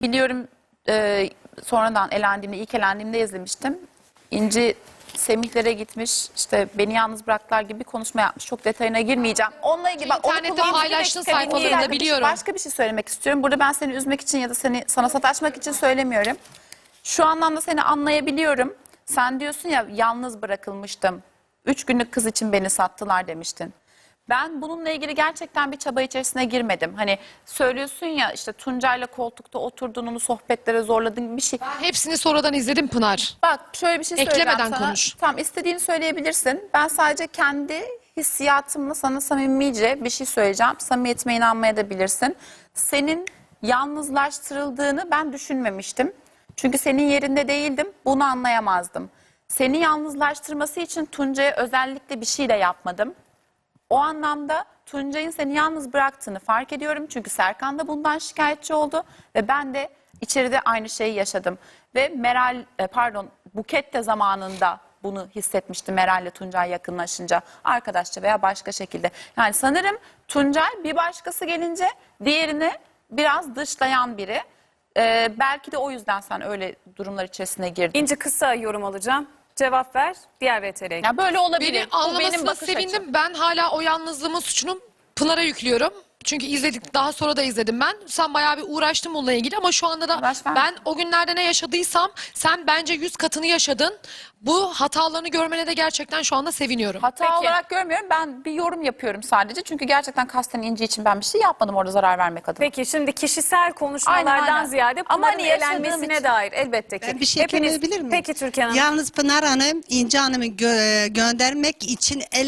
Biliyorum, sonradan elendiğimde, ilk elendiğimde izlemiştim. İnci Semih'lere gitmiş, işte beni yalnız bıraktılar gibi bir konuşma yapmış. Çok detayına girmeyeceğim. Onunla ilgili bak, İnternette paylaştığın sayfalarında biliyorum. Başka bir şey söylemek istiyorum. Burada ben seni üzmek için ya da sana sataşmak için söylemiyorum. Şu anlamda seni anlayabiliyorum. Sen diyorsun ya, yalnız bırakılmıştım. 3 günlük kız için beni sattılar demiştin. Ben bununla ilgili gerçekten bir çaba içerisine girmedim. Hani söylüyorsun ya, işte Tuncay'la koltukta oturdun, onu sohbetlere zorladın gibi bir şey. Hepsini sonradan izledim Pınar. Bak, şöyle bir şey söyleyeceğim Eklemeden sana. konuş. Tamam, istediğini söyleyebilirsin. Ben sadece kendi hissiyatımla sana samimice bir şey söyleyeceğim. Samimiyetime inanmaya da bilirsin. Senin yalnızlaştırıldığını ben düşünmemiştim. Çünkü senin yerinde değildim. Bunu anlayamazdım. Seni yalnızlaştırması için Tuncay'a özellikle bir şey de yapmadım. O anlamda Tuncay'ın seni yalnız bıraktığını fark ediyorum. Çünkü Serkan da bundan şikayetçi oldu ve ben de içeride aynı şeyi yaşadım. Ve Buket de zamanında bunu hissetmişti Meral'le Tuncay yakınlaşınca, arkadaşça veya başka şekilde. Yani sanırım Tuncay bir başkası gelince diğerini biraz dışlayan biri. Belki de o yüzden sen öyle durumlar içerisine girdin. İnci, kısa yorum alacağım. Cevap ver. Diğer VTR'ye Ya böyle olabilir. Beni Bu benim anlamasına bakış sevindim. açım. Ben hala o yalnızlığımın suçunu Pınar'a yüklüyorum. Çünkü izledik, daha sonra da izledim ben. Sen bayağı bir uğraştın bununla ilgili ama şu anda da Uğraş ben. ben o günlerde ne yaşadıysam sen bence 100 katını yaşadın. Bu hatalarını görmene de gerçekten şu anda seviniyorum. Hata Peki. olarak görmüyorum. Ben bir yorum yapıyorum sadece. Çünkü gerçekten kasten İnci için ben bir şey yapmadım orada zarar vermek adına. Peki şimdi kişisel konuşmalardan Aynen, aynen. ziyade Ama Pınar'ın hani yaşadığım elenmesine için- dair elbette ki. Ben bir şey ekleyebilir miyim? Peki Türkan Hanım. Yalnız Pınar Hanım, İnci Hanım'ı göndermek için